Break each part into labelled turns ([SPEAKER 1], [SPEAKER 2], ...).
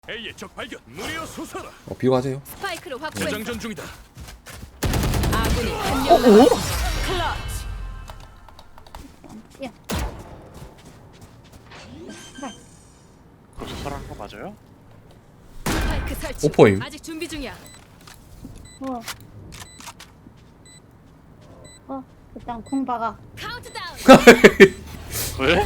[SPEAKER 1] A의 적 발견. 무리여 솟아라.
[SPEAKER 2] 비고 하세요.
[SPEAKER 3] 스파이크를 확보했어.
[SPEAKER 1] 무장전 중이다.
[SPEAKER 3] 아군이 한 명 남았어. 클러치.
[SPEAKER 4] 거기서 설하는 거 맞아요?
[SPEAKER 3] 스파이크 설치.
[SPEAKER 2] 오퍼임.
[SPEAKER 3] 아직 준비 중이야.
[SPEAKER 5] 일단 공 박아.
[SPEAKER 3] 카운트다운.
[SPEAKER 4] 왜?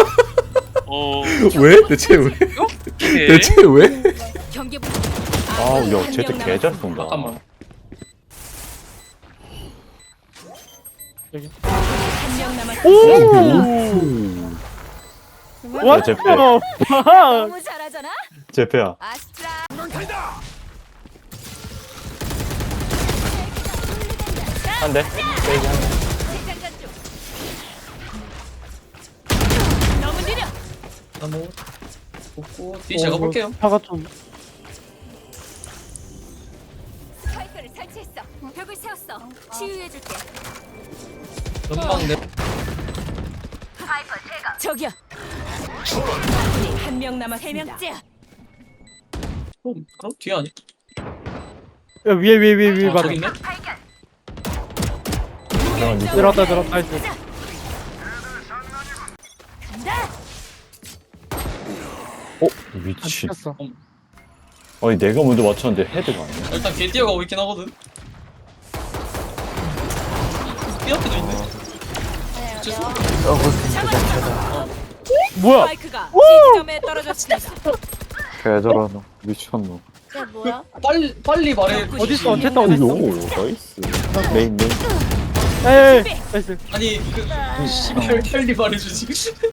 [SPEAKER 2] 왜? 대체 왜?
[SPEAKER 4] 오케이.
[SPEAKER 2] 대체 왜?
[SPEAKER 3] 경계 부.
[SPEAKER 6] 아우 야 쟤도 개잘 쏜다.
[SPEAKER 3] 한명 남았어.
[SPEAKER 6] 야 제페
[SPEAKER 3] 너무 잘하잖아.
[SPEAKER 6] 제페야.
[SPEAKER 3] 아스트라.
[SPEAKER 6] 한대. 세이지 한대.
[SPEAKER 3] 장전 중. 너무 느려.
[SPEAKER 7] 나뭐 없고 뒤 제가 볼게요.
[SPEAKER 8] 차가 좀
[SPEAKER 3] 스파이크를 설치했어. 벽을 세웠어. 치유해줄게.
[SPEAKER 7] 전방 내
[SPEAKER 3] 저기야. 아군이 한 명 남았. 세 명째야.
[SPEAKER 7] 그럼 뒤에 아니?
[SPEAKER 8] 야, 위에
[SPEAKER 7] 아,
[SPEAKER 8] 봐라.
[SPEAKER 7] 저기 있네.
[SPEAKER 8] 들었다 나이스.
[SPEAKER 3] 간다.
[SPEAKER 6] 미친.
[SPEAKER 8] 쳤어.
[SPEAKER 6] 아니 내가 먼저 맞췄는데 헤드가 아니야.
[SPEAKER 7] 일단 개 뛰어가고 있긴 하거든. 뛰어도 있네.
[SPEAKER 8] 뭐야?
[SPEAKER 3] 스파이크가 C지점에 떨어졌습니다.
[SPEAKER 6] 개잘하노. 미쳤노.
[SPEAKER 5] 이게 뭐야?
[SPEAKER 7] 빨리 말해.
[SPEAKER 8] 어딨어? 어쨌든
[SPEAKER 6] 오
[SPEAKER 8] 어딨어?
[SPEAKER 6] 나이스. 메인.
[SPEAKER 8] 에이, 나이스.
[SPEAKER 7] 아니 그 씨발 빨리 말해주지.